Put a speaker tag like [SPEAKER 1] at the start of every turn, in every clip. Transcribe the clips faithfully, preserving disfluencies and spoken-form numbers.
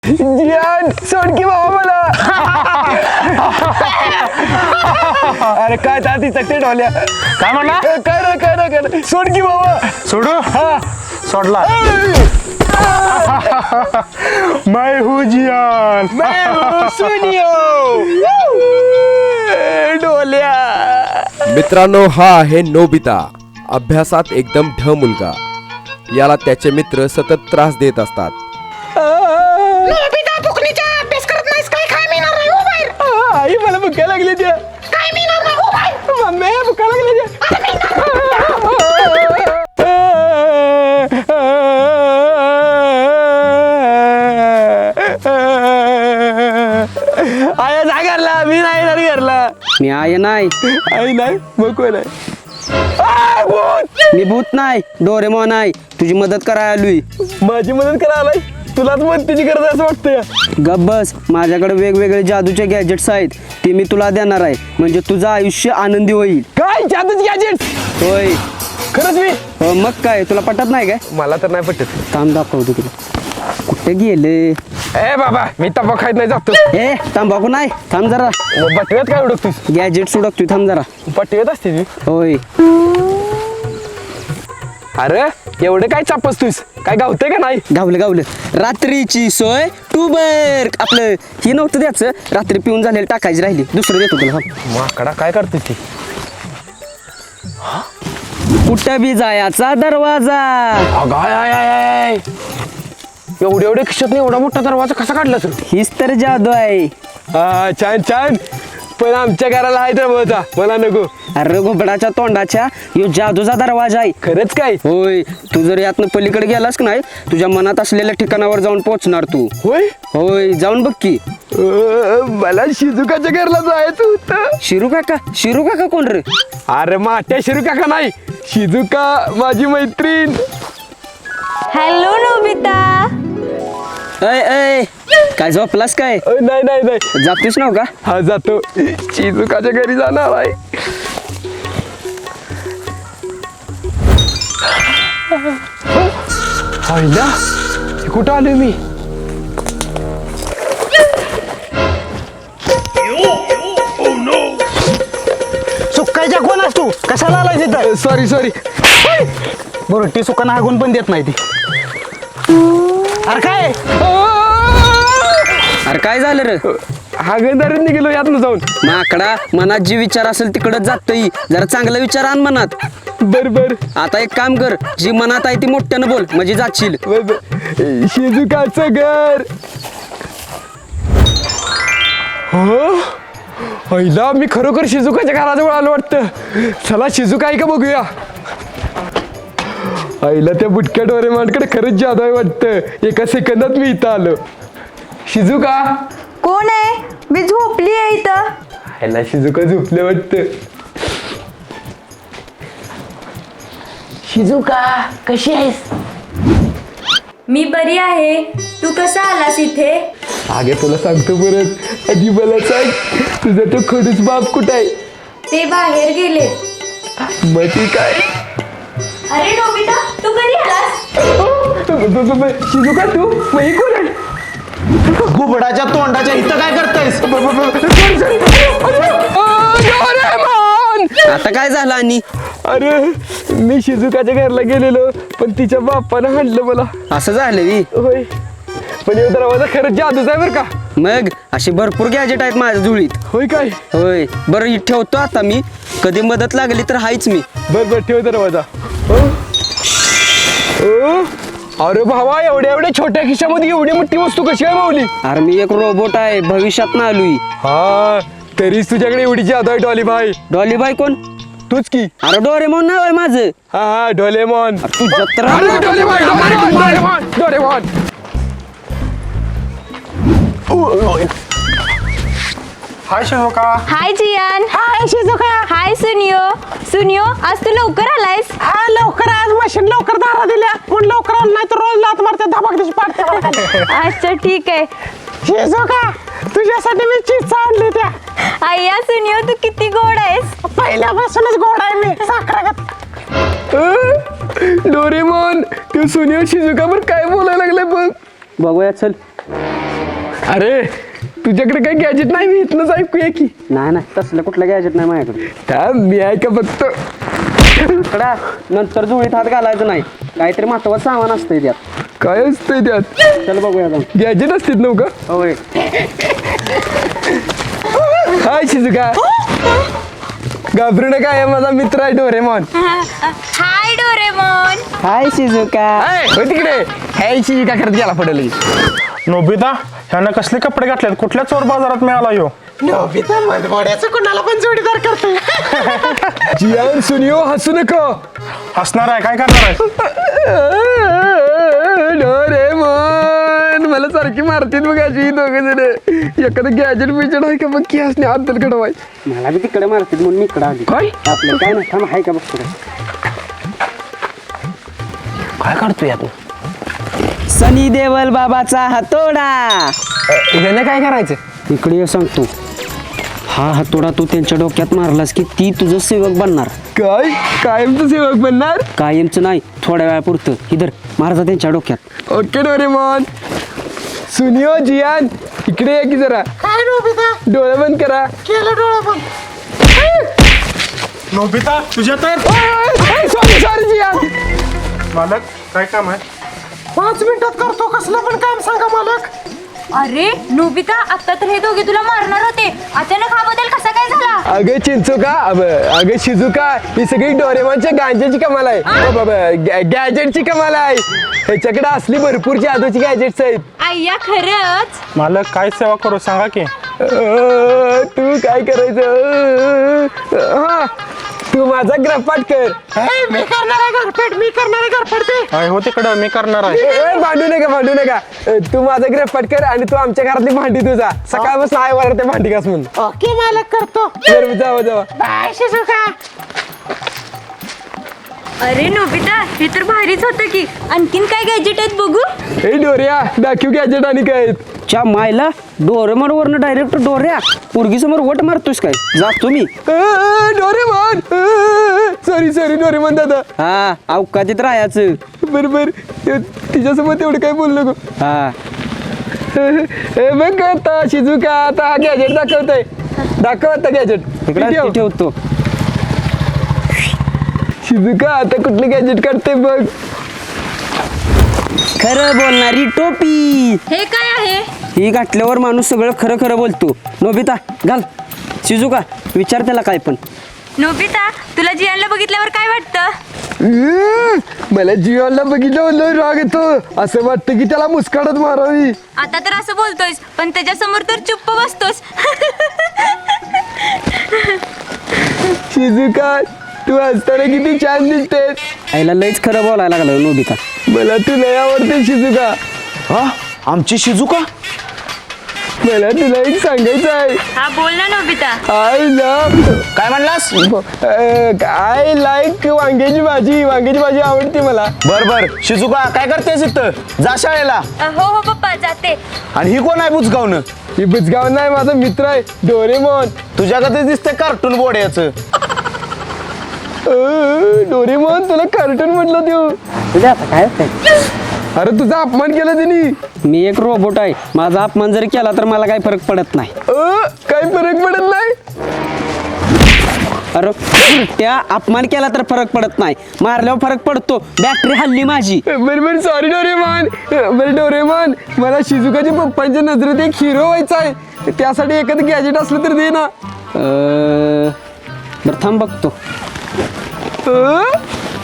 [SPEAKER 1] जियान सोड की बाबा मला. अरे काय ताती चकटे ढोल्या.
[SPEAKER 2] काय म्हणला?
[SPEAKER 1] काय रे काय रे काय रे सोड की बाबा.
[SPEAKER 2] सोडू
[SPEAKER 1] हा
[SPEAKER 2] सोडला. मैं हूँ जियान.
[SPEAKER 1] मैं हूँ सुनियो. ढोल्या.
[SPEAKER 3] मित्रांनो, हा आहे नोबिता. अभ्यासात एकदम ढ मुलगा. याला त्याचे मित्र सतत त्रास देत असतात.
[SPEAKER 4] नोबिता फुकणीचा अभ्यास करत नाहीस काय? काय मिळणार नाही हो बाहेर.
[SPEAKER 1] आई मला भुका लागली त्या.
[SPEAKER 4] काय मिळणार नाही हो बाहेर.
[SPEAKER 1] मम्मी भुका लागली त्या. आया जा घरला. मी नाही येणार घरला.
[SPEAKER 5] मी आहे नाही.
[SPEAKER 1] आई नाही मग कोण आहे? आ, भूत!
[SPEAKER 5] मी भूत नाही, डोरेमॉन आहे. तुझी मदत करायला आलोय.
[SPEAKER 1] माझी मदत करा आलाय. तुलाच मदतीची गरज असं वाटतंय.
[SPEAKER 5] गप बस. माझ्याकडे वेगवेगळे जादूचे गॅजेट्स आहेत. ते मी तुला देणार आहे. म्हणजे तुझं आयुष्य आनंदी होईल.
[SPEAKER 1] काय जादूच गॅजेट?
[SPEAKER 5] होय.
[SPEAKER 1] खरंच मी?
[SPEAKER 5] हो, मग काय तुला पटत नाही काय?
[SPEAKER 1] मला तर नाही पटत.
[SPEAKER 5] थांब दाखवतो तुला. कुठे गेले?
[SPEAKER 1] ए बाबा मी तंबाखू खायत नाही जातो.
[SPEAKER 5] ए तंबाखू नाही. थांब जरा.
[SPEAKER 1] मग पटव्यात काय उडकतोस?
[SPEAKER 5] गॅजेट सुडकतोय. थांब जरा.
[SPEAKER 1] पटव्यात असते ती.
[SPEAKER 5] होय.
[SPEAKER 1] अरे एवढं काय चापसतोस? काय गावतंय का नाही?
[SPEAKER 5] गावलं गावलं. रात्रीची सोय टूबर. आपलं हे नव्हतं द्यायचं. रात्री पिऊन झालेलं टाकायची राहिली. दुसरं देतो तुला. थांब.
[SPEAKER 1] माकडा काय करतोस ती?
[SPEAKER 5] कुठं बी जायचा दरवाजा.
[SPEAKER 1] अगाय आय आय आय. एवढे एवढे खिशात एवढा मोठा दरवाजा कसा काढला तू?
[SPEAKER 5] हीच तर जादू आहे.
[SPEAKER 1] हा छान छान. पण आमच्या घराला आहे दरवाजा. मला नको.
[SPEAKER 5] अरे घोबडाच्या तोंडाच्या यो जादूचा दरवाजा आहे.
[SPEAKER 1] खरंच काय?
[SPEAKER 5] होय. तू जर यातनं पलीकडे गेलास की नाही, तुझ्या मनात असलेल्या ठिकाणावर जाऊन पोहोचणार तू.
[SPEAKER 1] होय.
[SPEAKER 5] होय, जाऊन बघ की.
[SPEAKER 1] अ, मला शिजुकाच्या घरला जायचं होतं.
[SPEAKER 5] शिरू काका? शिरू काका कोण रे?
[SPEAKER 1] अरे माट्या शिरू काका नाही, शिजुका माझी मैत्रीण.
[SPEAKER 6] Hello Nobita.
[SPEAKER 5] अय अय काय झोपलास काय?
[SPEAKER 1] अ, नाही नाही नाही.
[SPEAKER 5] जातीस नव का?
[SPEAKER 1] हा जातो. शिजुकाच्या घरी जाणार आहे. आईला कुठं आलोय मी?
[SPEAKER 2] सुकायच्या कोण तू? कशाला आलाय तिथं?
[SPEAKER 1] Sorry sorry.
[SPEAKER 2] बरं ती सुकांना हागून पण देत नाही ती. अरे काय?
[SPEAKER 5] अरे काय झालं रे?
[SPEAKER 1] हागंदारीत निघालो यातनं जाऊन.
[SPEAKER 5] माकडा, मनात जे विचार असेल तिकडच जातही. जरा चांगला विचार आण मनात.
[SPEAKER 1] बर बर
[SPEAKER 5] आता एक काम कर, जी मनात आहे ती मोठ्यानं बोल, म्हणजे जाशील.
[SPEAKER 1] बर बर. शिजुकाचं घर. हो पहिला मी खरोखर शिजुकाच्या घराजवळ आलो वाटतं. चला शिजुका आहे का बघूया. आईला त्या बुटक्या डोरेमॉनकडे खरंच जादू आहे वाटतं. एका सेकंदात मी इथं आलो. शिजुका.
[SPEAKER 6] कोण आहे? मी झोपली आहे इथं.
[SPEAKER 1] आईला शिजुका झोपले वाटतं.
[SPEAKER 4] शिजुका कशी आहेस?
[SPEAKER 6] मी बरी आहे. तू कसा आलास इथे?
[SPEAKER 1] आगे तुला सांगतो परत. आधी मला सांग तुझा तो खडूस बाप कुठं आहे?
[SPEAKER 6] ते बाहेर गेले.
[SPEAKER 1] मग ती काय?
[SPEAKER 6] अरे नोबिता, तू कधी आलास?
[SPEAKER 1] शिजुका तू मग ही कोण आहे?
[SPEAKER 2] घुबडाच्या तोंडाच्या इथं काय करतायस?
[SPEAKER 5] आता काय झालं? आणि
[SPEAKER 1] अरे मी शिजुकाच्या घरला गेलेलो पण तिच्या बापानं हाणलं मला.
[SPEAKER 5] असं झालं वी?
[SPEAKER 1] होय. पण हे दरवाजा खरंच जादूच आहे बरं का?
[SPEAKER 5] मग अशी भरपूर गॅजेट आहेत माझ्या जुळीत.
[SPEAKER 1] होय काय?
[SPEAKER 5] होय. बरं ही ठेवतो आता मी. कधी मदत लागली तर हायच मी.
[SPEAKER 1] बर बर ठेव दरवाजा. हो हो. अरे भावा एवढ्या एवढ्या छोट्या खिशामध्ये एवढी मोठी वस्तू कशी आहे माऊली?
[SPEAKER 5] अरे मी एक रोबोट आहे, भविष्यात ना आलोय.
[SPEAKER 1] हा तरीच तुझ्याकडे एवढी जादू आहे डॉली भाई.
[SPEAKER 5] डॉली बाय कोण?
[SPEAKER 1] तूच की.
[SPEAKER 5] अरे डोरेमॉन नाव आहे माझं.
[SPEAKER 1] हा हा डोलेमॉन.
[SPEAKER 5] तू जत्रा.
[SPEAKER 1] अरे डोलेमॉन डोलेमॉन डोलेमॉन डोलेमॉन.
[SPEAKER 2] हाय शिजुका.
[SPEAKER 6] हाय जियान.
[SPEAKER 4] हाय शिजुका.
[SPEAKER 6] हाय सुनियो. सुनियो, आज तू लवकर आलायस.
[SPEAKER 4] हा लवकर आज मशीन लवकर दारा दिल्या. पण लवकर आलं नाही तर रोज लात मारते धबाकडीची पाडते.
[SPEAKER 6] अच्छा ठीक आहे.
[SPEAKER 4] शिजुका तुझ्यासाठी मी चीज आणली त्या.
[SPEAKER 6] आय्या सुनियो, तू किती गोड आहेस.
[SPEAKER 4] पहिल्यापासूनच गोड आहे मी. साखरागत.
[SPEAKER 1] डोरेमॉन तू सुनियो शिजुका पण काय बोलायला लागलाय बघ.
[SPEAKER 5] बघूया चल.
[SPEAKER 1] अरे तुझ्याकडे काही गॅजेट नाही मी इथनंच ऐकूया की
[SPEAKER 5] नाही नाही तसलं कुठलं गॅजेट नाही माझ्याकडे
[SPEAKER 1] थांब, मी ऐका बघतो.
[SPEAKER 5] कडा नंतर जुळीत हात घालायचं नाही काहीतरी महत्वाचं सामान असतंय त्यात.
[SPEAKER 1] काय असतंय त्यात?
[SPEAKER 5] चल बघूया जाऊन.
[SPEAKER 1] गॅजेट असतात नव्हतं
[SPEAKER 5] होय
[SPEAKER 1] हाय शिजुका. घाबरू नका, आहे माझा मित्र आहे Doraemon.
[SPEAKER 6] Hi Doraemon.
[SPEAKER 5] Hi Shizuka.
[SPEAKER 1] Hi, हो तिकडे. हाय शिजुका करत गेला पडेल.
[SPEAKER 4] नोबिता ह्यानं कसले कपडे घातलेत कुठल्या चोर बाजारात मिळाला ह्यो
[SPEAKER 2] नोबिता मनमोड्याचं कुणाला पण जोडीदार करतो.
[SPEAKER 1] जियान सुनियो हसू नको.
[SPEAKER 4] हसणार आहे काय करणार आहे
[SPEAKER 1] डोरेमॉन मला सारखी मारतील बघ अशी दोघं जण. एखादं गॅजेट बिजेट आहे का बघ की हसणे अद्दल कडवाय.
[SPEAKER 5] मला बी तिकडे मारतील म्हणून मी इकडे आली.
[SPEAKER 1] काय
[SPEAKER 5] आपलं काय नाही थांब हाय का बघतो
[SPEAKER 1] काय काढतोय यात?
[SPEAKER 5] सनी देवल बाबाचा हातोडा.
[SPEAKER 1] ह्यानं काय करायचं?
[SPEAKER 5] इकडे ये सांगतो हा हातोडा तू त्यांच्या डोक्यात मारलास की ती तुझं सेवक बनणार.
[SPEAKER 1] काय कायमचं सेवक बनणार?
[SPEAKER 5] कायमचं नाही थोड्या वेळापुरतं. इधर मारजा त्यांच्या डोक्यात.
[SPEAKER 1] Okay Doraemon. सुनियो जियान इकडे या की जरा.
[SPEAKER 2] काय नोबिता
[SPEAKER 1] डोळे बंद करा.
[SPEAKER 2] केलं डोळा पण.
[SPEAKER 4] नोबिता तुझ्या तर
[SPEAKER 1] सॉरी सॉरी जियान.
[SPEAKER 4] मालक काय काम आहे
[SPEAKER 2] पाच मिनिटात करतो कसलं पण काम सांगा मालक.
[SPEAKER 6] अरे नोबिता, आता तर हे दोघे तुला मारणार होते, अचानक हा बदल कसा काय झाला?
[SPEAKER 1] अगं चिंचुका, अब- अगं शिजुका, ही सगळी डोरेमॉनच्या गांजेची कमाल आहे. अ, बाबा, गॅ- गॅजेटची कमाल आहे. ह्याच्याकडे असली भरपूर जादूची गॅजेट्स आहेत.
[SPEAKER 6] आय्या खरंच?
[SPEAKER 4] मालक काय सेवा करू सांगा की
[SPEAKER 1] अ, तू काय करायचं? हा, तू माझा ग्रपाट कर.
[SPEAKER 2] हे, मी करणार आहे घरपेट मी करणार आहे घरपेट ते.
[SPEAKER 4] काय हो तिकडं मी करणार आहे
[SPEAKER 1] ए, भांडू नका भांडू नका. अ, तू माझा ग्रपाट कर आणि तू आमच्या घरातली भांडी तुझा सकाळपासून आहे वर ते भांडी घास म्हणून.
[SPEAKER 2] ओके मालक करतो.
[SPEAKER 1] बरं, जावा जावा.
[SPEAKER 2] Bye Shizuka.
[SPEAKER 6] अरे नोबिता, हे तर भारीच होतं की. आणखीन काय गॅजेट आहेत बघू?
[SPEAKER 1] ए डोऱ्या, दाखव गॅजेट आणि काय आहेत.
[SPEAKER 5] च्या मायला डोरेमॉन वरनं डायरेक्ट डोऱ्या पोरगी समोर वट मारतोस काय? जातो मी.
[SPEAKER 1] अ, डोरेमॉन. सॉरी सॉरी डोरेमॉन दादा.
[SPEAKER 5] हा अवकाशात राहायचं.
[SPEAKER 1] बरं बरं, तिच्यासोबत एवढं काय बोलू नको.
[SPEAKER 5] हा
[SPEAKER 1] हे बघ आता शिजुका, आता हा गॅजेट दाखवतोय. दाखव आता गॅजेट.
[SPEAKER 5] इकडे ठेवतो.
[SPEAKER 1] शिजुका, आता कुठलं गॅजेट काढते बघ.
[SPEAKER 5] खरं बोलणारी टोपी.
[SPEAKER 6] हे काय आहे?
[SPEAKER 5] ही घातल्यावर माणूस सगळं खरं खरं बोलतो. नोबिता घाल. शिजुका विचार त्याला काय पण.
[SPEAKER 6] नोबिता, तुला जियानला बघितल्यावर काय वाटतं?
[SPEAKER 1] अं, मला जीवाला बघितलं लय राग येतो. असं वाटतं की त्याला मुस्काडत मारावी.
[SPEAKER 6] आता तर असं बोलतोयस, पण त्याच्यासमोर तर चुप्प बसतोस.
[SPEAKER 1] शिजुका, तू असताना किती छान दिसतेस.
[SPEAKER 5] आईला लयच खरं बोलायला लागलं नोबिता.
[SPEAKER 1] मला तू लय आवडते शिजुका.
[SPEAKER 2] हा आमची शिजुका.
[SPEAKER 1] मला तुला एक सांगायचं आहे.
[SPEAKER 6] हा बोल ना नोबिता.
[SPEAKER 1] आय लव्ह
[SPEAKER 2] काय म्हणलास?
[SPEAKER 1] आय लाईक वांग्याची भाजी. वांग्याची भाजी आवडते मला.
[SPEAKER 2] बर बर शिजुका काय करतेस इथं? जा शाळेला.
[SPEAKER 6] अ, हो हो पप्पा, जाते.
[SPEAKER 2] आणि ही कोण आहे बुजगावनं?
[SPEAKER 1] ही बुजगाव नाही, माझा मित्र आहे डोरेमॉन.
[SPEAKER 2] तुझ्याकडे दिसतंय कार्टून बोर्ड्याचं.
[SPEAKER 1] अं, डोरेमॉन, तुला कार्टून म्हटलं देऊ.
[SPEAKER 5] तुझ्या आता काय होतंय?
[SPEAKER 1] अरे तुझा अपमान केला त्यांनी.
[SPEAKER 5] मी एक रोबोट आहे. माझा अपमान जर केला तर मला काही फरक पडत नाही.
[SPEAKER 1] अं, काही फरक पडत नाही.
[SPEAKER 5] अरे त्या अपमान केला तर फरक पडत नाही, मारल्यावर फरक पडतो. बॅटरी हल्ली माझी.
[SPEAKER 1] बरोबर, सॉरी डोरेमॉन. बरं डोरेमॉन, मला शिजुकाच्या पप्पांच्या नजरेत एक हिरो व्हायचा आहे. त्यासाठी एखादं गॅजेट असलं तर दे ना.
[SPEAKER 5] अं, बरं थांब बघतो.
[SPEAKER 1] अं?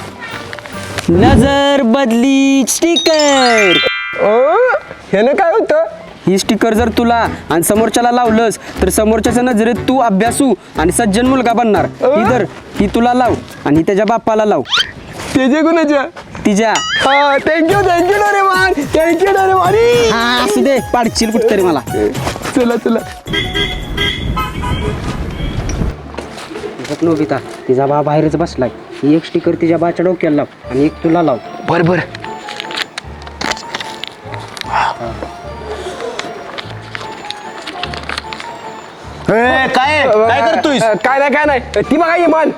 [SPEAKER 5] नजर बदली स्टिकर.
[SPEAKER 1] अं? ह्यानं काय होतं?
[SPEAKER 5] ही स्टिकर जर तुला आणि समोरच्याला लावलंस तर समोरच्याच्या नजरेत तू अभ्यासू आणि सज्जन मुलगा बनणार. ही जर ही तुला लाव आणि त्याच्या बापाला लाव.
[SPEAKER 1] ते जे गुणाच्या.
[SPEAKER 5] तिच्या.
[SPEAKER 1] हा, thank you thank you Doraemon. Thank you Doraemon.
[SPEAKER 5] हा असू दे, पाडशील कुठतरी मला.
[SPEAKER 1] चला चला.
[SPEAKER 5] नोबिता, तिचा बा बाहेरच बसलाय. ही एक स्टिकर तिच्या बाच्या डोक्याला लाव आणि एक तुला लाव.
[SPEAKER 1] बर बर.
[SPEAKER 2] ए, काय काय करतोय?
[SPEAKER 1] अं, काय नाही काय नाही. ती बघा इमान.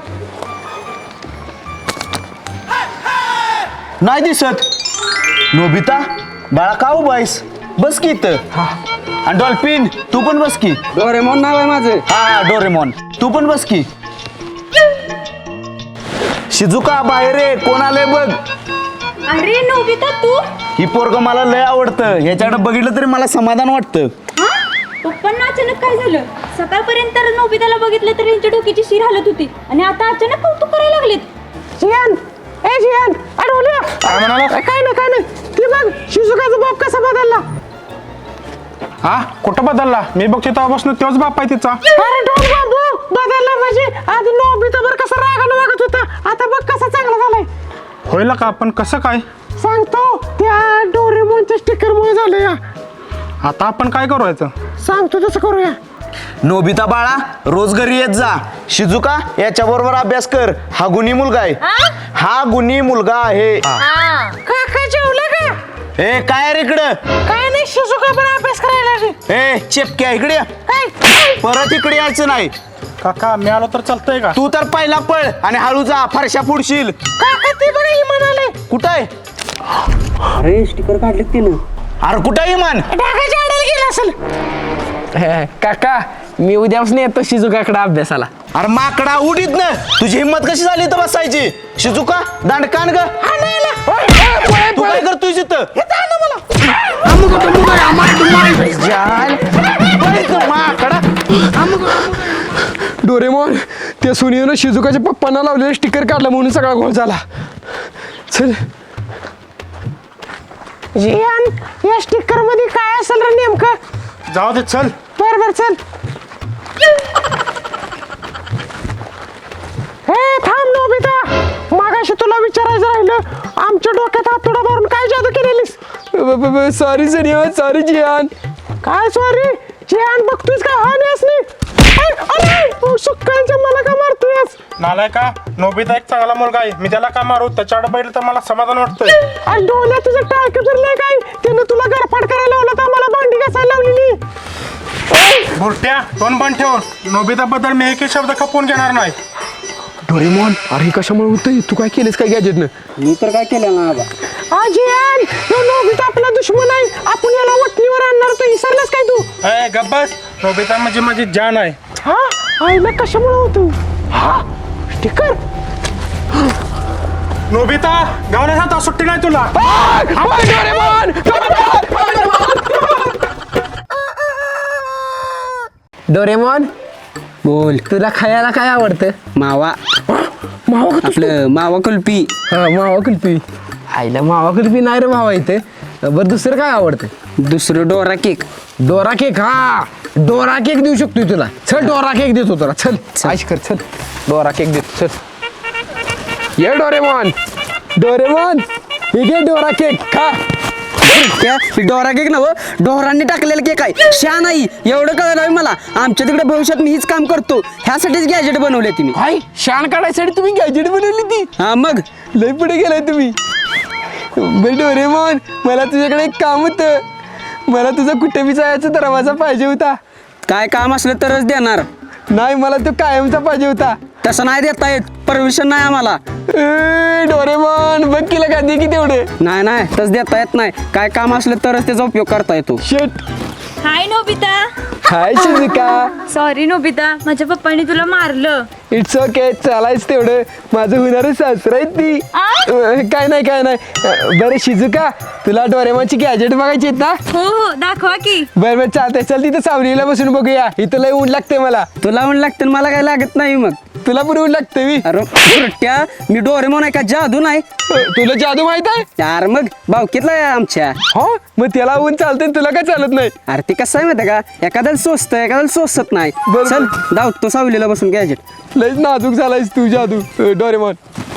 [SPEAKER 2] नाही दिसत. नोबिता बाळा का उभा आहेस? बस की इथं.
[SPEAKER 1] हा
[SPEAKER 2] आणि डॉल्फिन तू पण बस की.
[SPEAKER 5] डोरेमॉन नाव आहे माझं.
[SPEAKER 2] हा हा डोरेमॉन तू पण बस की. शिजुका बाहेर ये, कोण आलंय बघ.
[SPEAKER 6] अरे नोबिता तू
[SPEAKER 2] ही पोरग मला लय आवडतं, ह्याच्याकडे बघितलं तरी मला समाधान वाटतं.
[SPEAKER 6] हा पप्पांना अचानक काय झालं? सकाळपर्यंत तर नोबिताला बघितलं तर यांच्या डोक्याची शिर हालत होती आणि आता अचानक कौतुक करायला लागलेत.
[SPEAKER 4] जियान ए जियान अडवल्या
[SPEAKER 2] काय म्हणाला?
[SPEAKER 4] काय नाही काय नाही ती बघ शिजुकाचा बाप कसा बदलला.
[SPEAKER 7] हा कुठं बदलला? मी बघतो तेव्हापासून तोच बाप आहे तिचा.
[SPEAKER 4] अरे डोन बाबू बदलला म्हणजे आधी नोबिता बर कसा रागानं वागत होता, आता बघ कसा चांगला झालाय.
[SPEAKER 7] होईल का? पण कसं काय?
[SPEAKER 4] सांगतो त्या डोरेमोनच्या स्टिकर मुळे झालं या.
[SPEAKER 7] आता आपण काय करायचं?
[SPEAKER 4] सांगतो तसं करूया.
[SPEAKER 2] नोबिता बाळा रोज घरी येत जा. शिजुका याच्या बरोबर अभ्यास कर, हा गुणी मुलगा आहे. हा गुणी मुलगा आहे.
[SPEAKER 4] काका जेवलं का?
[SPEAKER 2] ए काय रे इकडं?
[SPEAKER 4] काय नाही शिजुका पण अभ्यास करायला लागली.
[SPEAKER 2] ए चेपक्या इकडे ये.
[SPEAKER 4] काय
[SPEAKER 2] परत इकडे यायचं नाही.
[SPEAKER 7] काका मी आलो तर चालतंय का?
[SPEAKER 2] तू तर पहिला पळ आणि हळू जा, फारशा पुढशील.
[SPEAKER 4] काका ते बघा इमान आले.
[SPEAKER 2] कुठं आहे?
[SPEAKER 5] अरे स्टिकर काढले तिनं.
[SPEAKER 2] अरे कुठं आहे इमान?
[SPEAKER 4] ढाकाच्या आडायला गेला असेल.
[SPEAKER 1] काका मी उद्यापासून येतो शिजुकाकडे अभ्यासाला.
[SPEAKER 2] अरे माकडा उडीत ना, तुझी हिंमत कशी झाली तर बसायची? शिजुका दांडकान ग. तू काय करतोय तिथं? माकडा.
[SPEAKER 1] डोरेमॉन त्या सुनीनं शिजुकाच्या पप्पांना लावलेलं स्टिकर काढलं म्हणून सगळा घोळ झाला. चल
[SPEAKER 4] जियान या स्टिकर मध्ये काय असेल रे नेमकं?
[SPEAKER 7] जाऊ दे चल.
[SPEAKER 4] बर बर चल. हे थांब नोबिता, मागाशी तुला विचारायचं राहिलं, आमच्या डोक्यात हातोडा मारून काय जादू केलेलीस?
[SPEAKER 1] सॉरी सनिया, सॉरी जियान.
[SPEAKER 4] काय सॉरी जियान, बघतोयस का हा नेस नाही. सुक्कांच्या मला का मारतोयस?
[SPEAKER 7] नालाय का? नोबिता एक चांगला मुलगा आहे, मी त्याला का मारू? त्याच्याकडे बघितलं तर मला समाधान वाटतंय.
[SPEAKER 4] आणि डोळ्यात तुझं टाळकं फिरलंय काय? त्यानं तुला गरफाट करायला लावलं तर मला भांडी घासायला लावलेली.
[SPEAKER 7] बुरट्या तोंड बंद ठेव. नोबिता बद्दल मी एकही शब्द खपवून घेणार नाही.
[SPEAKER 1] डोरेमॉन अरे कशामुळे होतंय? तू काय केलेस काय गॅजेटनं?
[SPEAKER 5] मी तर काय केलं ना बाबा.
[SPEAKER 4] जियान ह्यो नोबिता आपला दुश्मन आहे, आपण याला वटणीवर आणणार. तू विसरलास काय तू?
[SPEAKER 7] ए गब्बस, नोबिता म्हणजे माझी जान आहे.
[SPEAKER 4] हा आईला कशामुळे होतो? हा स्टिकर.
[SPEAKER 7] नोबिता गावण्याचा आता सुट्टी नाही तुला.
[SPEAKER 1] डोरेमॉन
[SPEAKER 5] बोल.
[SPEAKER 1] तुला खायला काय आवडतं?
[SPEAKER 5] मावा.
[SPEAKER 1] मावा का?
[SPEAKER 5] आपलं मावा कुल्फी.
[SPEAKER 1] हा मावा कुल्फी. आईला मावा कुल्फी नाही रे भावा इथे. बरं दुसरं काय आवडतं?
[SPEAKER 5] दुसरं डोरा केक.
[SPEAKER 1] Dora cake. हा डोरा केक देऊ शकतोय तुला. चल डोरा केक देतो तुला. चल आश कर. चल डोरा केक देतो. चल ये डोरेमॉन. डोरेमॉन हे घे डोरा केक खा.
[SPEAKER 5] त्या डोरा केक नव डोरांनी टाकलेला केक आहे. शा नाही एवढं कळलं आहे मला. आमच्या तिकडे भविष्यात मी हीच काम करतो. ह्यासाठीच गॅजेट बनवले तुम्ही.
[SPEAKER 1] काय शान काढायसाठी तुम्ही गॅजेट बनवली ती?
[SPEAKER 5] हा मग
[SPEAKER 1] लय पुढे गेलाय तुम्ही. बरं डोरेमॉन मला तुझ्याकडे एक काम होतं. मला तुझा कुठे बी जायचा दरवाजा पाहिजे होता.
[SPEAKER 5] काय काम असलं तरच देणार.
[SPEAKER 1] नाही मला तो कायमचा पाहिजे होता.
[SPEAKER 5] तसं नाही देता येत, परमिशन नाही आम्हाला.
[SPEAKER 1] ए, डोरेमॉन बघ केलं का दे की तेवढे.
[SPEAKER 5] नाही नाही तसं देता येत नाही. काय काम असलं तरच त्याचा उपयोग करता येतो.
[SPEAKER 1] शेट.
[SPEAKER 6] Hi Nobita.
[SPEAKER 1] Hi Shizuka.
[SPEAKER 6] Sorry Nobita, माझ्या पप्पांनी तुला मारलं.
[SPEAKER 1] इट्स ओके चालायच तेवढं. माझं होणारं सासरा आहे ती.
[SPEAKER 6] आ?
[SPEAKER 1] अं, काय नाही काय नाही. अं, बरं शिजुका तुला डोरेमॉनची गॅजेट बघायची आहेत ना?
[SPEAKER 6] हो हो दाखवा की.
[SPEAKER 1] बरं बरं चालतंय. चल तिथं सावलीला बसून बघूया. इथं लय ऊन लागते मला.
[SPEAKER 5] तुला म्हणून लागतं आणि मला काय लागत नाही. मग
[SPEAKER 1] तुला पण ऊन लागते मी.
[SPEAKER 5] अरे बुरट्या, मी डोरेमॉन आहे का जादू नाही?
[SPEAKER 1] अं, तुला जादू माहित आहे?
[SPEAKER 5] यार मग भावकीतला आहे आमच्या.
[SPEAKER 1] हो मग त्याला ऊन चालते तुला काय चालत नाही?
[SPEAKER 5] अरे ते कसं आहे माहिती का, एखाद्याला सोचतं एखाद्याला सोचत नाही.
[SPEAKER 1] बरं.
[SPEAKER 5] चल धाव तो सावलीला बसून गॅजेट.
[SPEAKER 1] लयच नाजूक झालायस तू जादू अं, डोरेमॉन.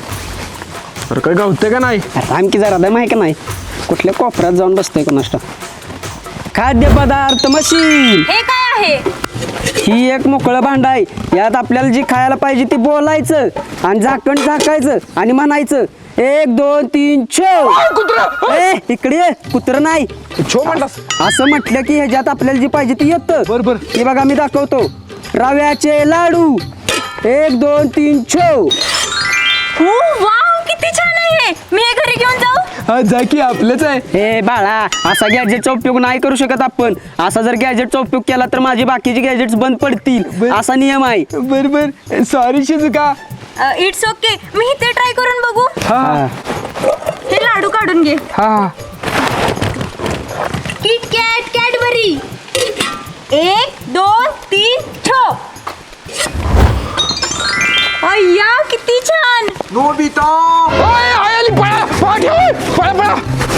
[SPEAKER 1] अरे काय गावते का नाही?
[SPEAKER 5] आमकी जरा दम आहे का नाही? कुठल्या कोपऱ्यात जाऊन बसतोय का नसतं. खाद्यपदार्थ मशीन
[SPEAKER 6] हे काय आहे?
[SPEAKER 5] ही एक मोकळं भांड आहे. यात आपल्याला जी खायला पाहिजे ती बोलायचं आणि झाकण झाकायचं आणि म्हणायचं एक दोन तीन छो. ए इकडे ये, कुत्रं नाही.
[SPEAKER 1] छो म्हणलास?
[SPEAKER 5] असं म्हटलं की ह्याच्यात आपल्याला जी पाहिजे ती येतं.
[SPEAKER 1] बरोबर.
[SPEAKER 5] हे बघा मी दाखवतो. रव्याचे लाडू एक दोन तीन छो.
[SPEAKER 6] हो वाव किती छान आहे हे. मी हे घरी घेऊन जाऊ?
[SPEAKER 1] हा जा की आपलंच आहे.
[SPEAKER 5] हे बाळा असा गॅजेटचा उपयोग नाही करू शकत आपण. असा जर गॅजेटचा उपयोग केला तर माझी बाकीची गॅजेट्स बंद पडतील असा नियम आहे.
[SPEAKER 1] बर बर सॉरी शिजुका.
[SPEAKER 6] It's okay. मी इथे ट्राय करून बघू.
[SPEAKER 1] हा
[SPEAKER 6] हे लाडू काढून घे.
[SPEAKER 1] हा
[SPEAKER 6] किट कॅट कॅडबरी. एक दोन तीन छो. अय्या किती छान.
[SPEAKER 2] नोबिता
[SPEAKER 1] ओय, आय आली पळा पळा ठेव पळा पळा.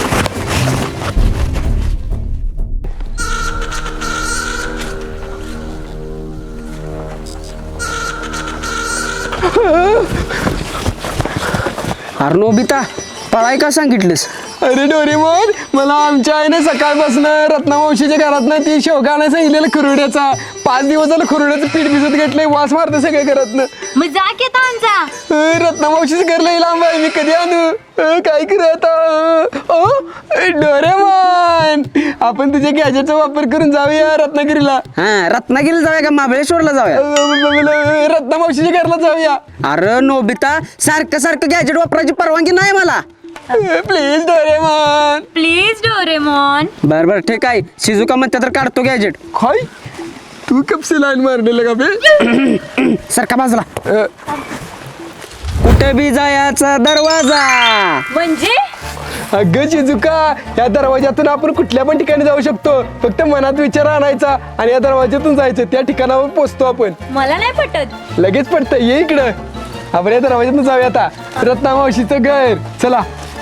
[SPEAKER 5] अरे नोबिता पळाय का सांगितलंस?
[SPEAKER 1] अरे डोरेमोन मला आमच्या आईने सकाळपासून रत्नामावशीच्या घरातनं ती शेवगा नाही सांगितलेलं खुरुड्याचा. पाच दिवस झालं खुरुड्याचं पीठ भिजत घेतलंय वास मारतं सगळ्या घरातनं.
[SPEAKER 6] मग जा की आता आमचा.
[SPEAKER 1] अं, रत्नामावशीचं घर लई लांब आहे मी कधी आणू अं, काय करू आता. अं, डोरेमोन आपण तुझ्या गॅजेटचा वापर करून जाऊया रत्नागिरीला.
[SPEAKER 5] हा रत्नागिरीला जाऊया का महाबळेश्वरला जाऊया?
[SPEAKER 1] अं, रत्नामावशीच्या घरला जाऊया.
[SPEAKER 5] अरे नोबिता सारखं सारखं गॅजेट वापरायची परवानगी नाही मला.
[SPEAKER 1] Please Doraemon.
[SPEAKER 6] Please Doraemon.
[SPEAKER 5] बर बर ठीक आहे. शिजुका म्हणते तर काढतो गॅजेट.
[SPEAKER 1] काय तू कपसे लाईन मारलेलं का बे.
[SPEAKER 5] सारखा बाजूला.
[SPEAKER 1] अं,
[SPEAKER 5] कुठे बी जायचा दरवाजा.
[SPEAKER 6] म्हणजे
[SPEAKER 1] अगं चिजुका या दरवाज्यातून आपण कुठल्या पण ठिकाणी जाऊ शकतो. फक्त मनात विचार आणायचा आणि या दरवाज्यातून जायचं. त्या ठिकाणावर पोहोचतो आपण.
[SPEAKER 6] मला नाही पटत.
[SPEAKER 1] लगेच पडतं ये इकडं. आपण या दरवाज्यातून जाऊया आता रत्नामावशीचं घर. चला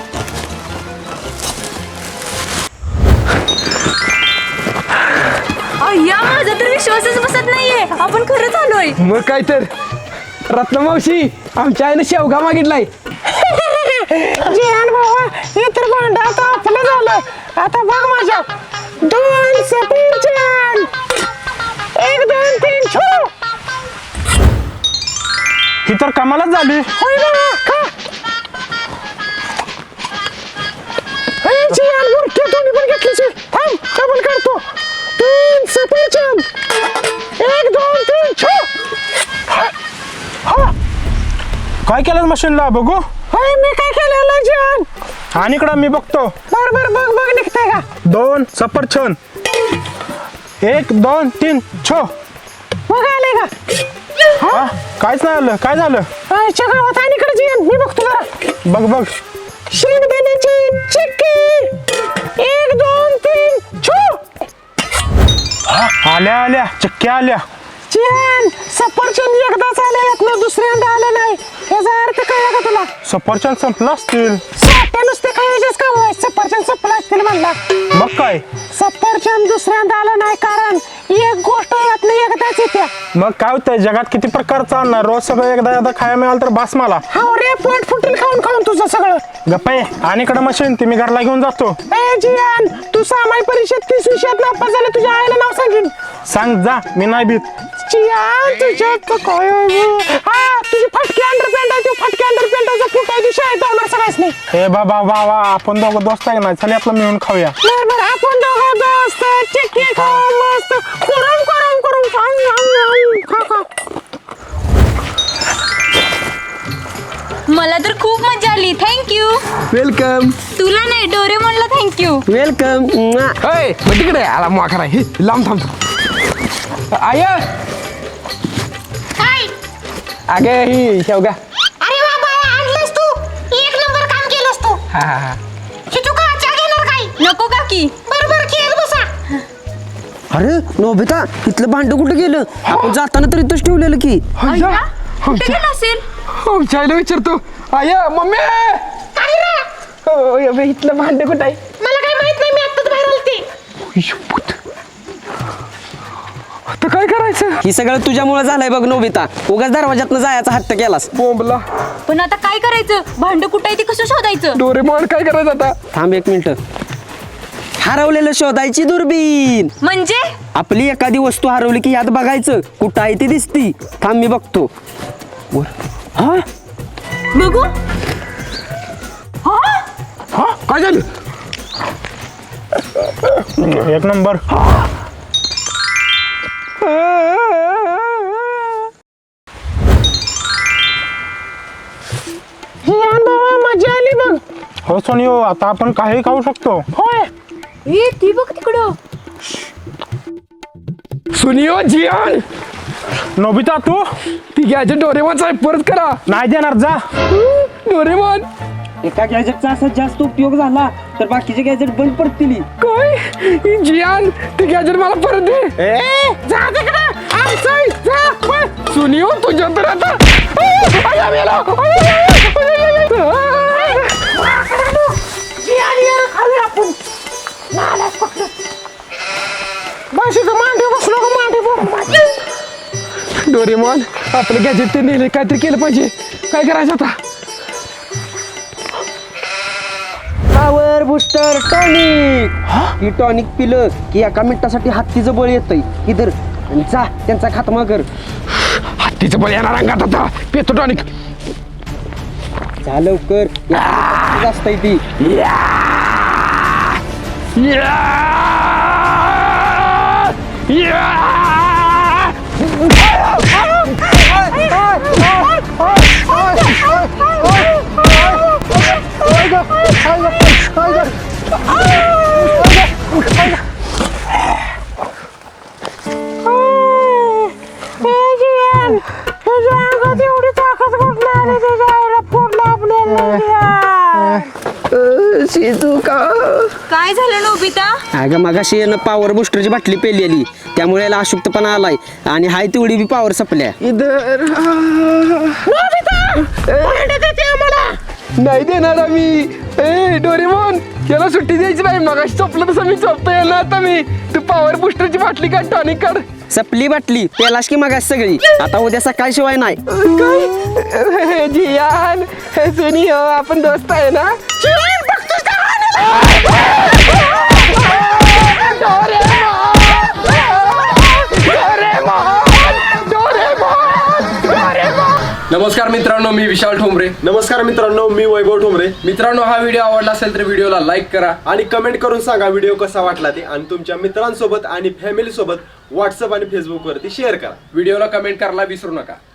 [SPEAKER 6] अय्या माझा तर विश्वासच बसत नाहीये. आपण खरंच आलोय.
[SPEAKER 1] मग काय तर. रत्नामावशी आमच्या आईने शेवगा मागितलाय.
[SPEAKER 4] जिहान बाबा हे तर भांड आता आपलं झालं. आता बघ माझ्या दोन सफरचंद. एक दोन तीन छो.
[SPEAKER 7] ही तर कमालच झाली.
[SPEAKER 4] होय बाबा खा. हे जिहान मुरके दोन्ही पण घेतलीस. थांब डबल काढतो. तीन सफरचंद. एक दोन तीन छो. हा
[SPEAKER 7] काय केलं मशीनला बघू.
[SPEAKER 4] होय मी काय केलेलं जिहान.
[SPEAKER 7] आणि इकडं मी बघतो.
[SPEAKER 4] बर बर बघ बघ निघतंय का.
[SPEAKER 7] दोन सफरचंद. एक दोन तीन छो.
[SPEAKER 4] बघ आले का.
[SPEAKER 7] हा काहीच नाही आलं. काय झालं.
[SPEAKER 4] आईच्या गावात आणि इकडे जिहान मी बघतो जरा.
[SPEAKER 7] बघ बघ.
[SPEAKER 4] शेंगदाण्याची चिक्की. एक दोन तीन छो.
[SPEAKER 7] आल्या आल्या चक्क्या आल्या.
[SPEAKER 4] जिहान सफरचंद एकदाच आलेत ना दुसऱ्यांदा आलं नाही. याचा अर्थ कळला का तुला.
[SPEAKER 7] सफरचंद संपलं असतील.
[SPEAKER 4] साठ्या नुसते खायचेच काम आहे. सफरचंद संपलं असतील म्हणला.
[SPEAKER 7] मग काय.
[SPEAKER 4] सफरचंद दुसऱ्यांदा आलं नाही कारण एक गोष्ट यात एकदाच येत्या.
[SPEAKER 7] मग काय होतंय जगात किती प्रकारचं आणणार. रोज सगळं एकदा एकदा खायला मिळालं तर बास मला.
[SPEAKER 4] हा रे पोट फुटेल खाऊन खाऊन तुझं सगळं.
[SPEAKER 7] गप्पा ये. आणि इकडं मशीन ती मी घरला घेऊन जातो.
[SPEAKER 4] ए जिहान तू सामाई परीक्षेत तीस विषयात नापास झालं तुझ्या आईला नाव सांगेन.
[SPEAKER 7] सांग जा मी नाही भीत.
[SPEAKER 4] जिहान तुझ्यात तर काय आहे बे? हा तुझी फटकी अंडरपॅन्ट आहे. तू फटकी अंडरपॅन्टचा फुट आहे. तू शाळेत जाणार सगळ्याच नाही.
[SPEAKER 7] हे बाबा वा वा आपण दोघं दोस्त आहे ना. चल आपलं मिळून खाऊया.
[SPEAKER 4] बर बर आपण दोघं दोस्त चिक्की खाऊ मस्त करून करून करून खाऊ खाऊ खा खा.
[SPEAKER 6] मला तर खूप मजा आली. थँक्यू.
[SPEAKER 1] वेलकम.
[SPEAKER 6] तुला नाही डोरेमॉनला थँक्यू.
[SPEAKER 5] वेलकम.
[SPEAKER 1] अय मग तिकडे आला मोखरा. हे लांब थांब. आय
[SPEAKER 6] काय.
[SPEAKER 1] अगे ही शेवगा.
[SPEAKER 4] अरे वा बाळा आणलंस तू. एक नंबर काम केलंस तू.
[SPEAKER 1] हा हा हा.
[SPEAKER 4] शितुका चहा घेणार काय.
[SPEAKER 6] नको काकी.
[SPEAKER 4] बरोबर खेळ बसा.
[SPEAKER 5] अरे नोबिता इथलं भांड कुठं गेलं? आपण जाताना तर इथंच ठेवलेलं की.
[SPEAKER 6] अय्या कुठे गेला असेल.
[SPEAKER 1] आमच्या आईला विचारतो. आय मम्मी हो, बे, इथलं भांड कुठं आहे.
[SPEAKER 4] मला काय माहित नाही मी आत्ताच बाहेर आलते.
[SPEAKER 1] शपथ. आता काय करायचं.
[SPEAKER 5] ही सगळं तुझ्यामुळे झालंय बघ नोबिता. उगाच दरवाजातनं जायचा हट्ट केलास.
[SPEAKER 1] बोंबला.
[SPEAKER 6] पण आता काय करायचं. भांड कुठं आहे ते कसं शोधायचं.
[SPEAKER 1] डोरेमॉन काय करायचं आता.
[SPEAKER 5] थांब एक मिनिट. हरवलेलं शोधायची दुर्बीन.
[SPEAKER 6] म्हणजे
[SPEAKER 5] आपली एखादी वस्तू हरवली की यात बघायचं कुठं आहे ती दिसती. थांब मी बघतो. वर. हा
[SPEAKER 6] बघू.
[SPEAKER 1] हा काय झालं.
[SPEAKER 7] एक नंबर.
[SPEAKER 4] जिहान बाबा मजा आली बघ.
[SPEAKER 7] हो सोनियो आता आपण काही खाऊ शकतो.
[SPEAKER 4] होय
[SPEAKER 6] ए ती बघ तिकडं.
[SPEAKER 1] सुनियो जियान
[SPEAKER 7] नोबिता तू
[SPEAKER 1] ती गॅजेट डोरेमॉनचा आहे, परत करा.
[SPEAKER 7] नाही देणार जा.
[SPEAKER 1] डोरेमॉन
[SPEAKER 5] एका गॅजेटचा असा जास्त उपयोग झाला तर बाकीचे गॅजेट बंद पडतील.
[SPEAKER 1] काय जियान ती गॅजेट मला परत दे.
[SPEAKER 4] जा तिकडे आमचं जा पळ.
[SPEAKER 1] सुनियो तुझ्या तर आता आया मेला.
[SPEAKER 4] जियान यार खाली आपण नालाच पकडलं. बस इथं मांडी बसलो का मांडी बोल.
[SPEAKER 1] डोरेमॉन आपलं गॅजेट ते नेले, काहीतरी केलं पाहिजे. काय करायचं आता?
[SPEAKER 5] Power booster tonic. ही टॉनिक पिलं की एका मिनिटासाठी हत्तीचं बळ येतंय. इधर आणि जा त्यांचा खात्मा कर.
[SPEAKER 1] हत्तीचं बळ येणार अंगात आता. पेतो टॉनिक.
[SPEAKER 5] जा लवकर जास्त आहे ती.
[SPEAKER 4] जियान तुझ्या अंगात एवढी ताकद कुठून आली? तुझ्या आईला फोडलं आपल्याला.
[SPEAKER 1] शिजुका
[SPEAKER 6] काय झालं नोबिता?
[SPEAKER 5] अगं मगाशी यानं पॉवर बुस्टरची बाटली पेलेली त्यामुळे याला अशुद्धपणा आलाय आणि हाय तेवढी बी पॉवर संपल्या.
[SPEAKER 1] इधर
[SPEAKER 4] भांडे देते आम्हाला.
[SPEAKER 1] नाही देणार आम्ही. ए डोरेमॉन याला सुट्टी द्यायची नाही. मगाशी चोपलं तसं मी चोपतोय ना आता मी. तू पॉवर बुस्टरची बाटली काढ, टॉनिक काढ.
[SPEAKER 5] सपली बाटली पेलास की मगाशी सगळी. आता उद्या सकाळी शिवाय नाही.
[SPEAKER 1] काय जियान सुनियो आपण दोस्त आहे ना.
[SPEAKER 4] जियान बघतोस का?
[SPEAKER 3] नमस्कार मित्रांनो, मी विशाल ठोंबरे.
[SPEAKER 8] नमस्कार मित्रांनो, मी वैभव ठोंबरे.
[SPEAKER 3] मित्रांनो, हा व्हिडिओ आवडला असेल तर व्हिडिओला लाईक करा
[SPEAKER 8] आणि कमेंट करून सांगा व्हिडिओ कसा वाटला ते, आणि तुमच्या मित्रांसोबत आणि फॅमिली सोबत व्हॉट्सअप आणि फेसबुक वरती शेअर करा.
[SPEAKER 3] व्हिडिओला कमेंट करायला विसरू नका.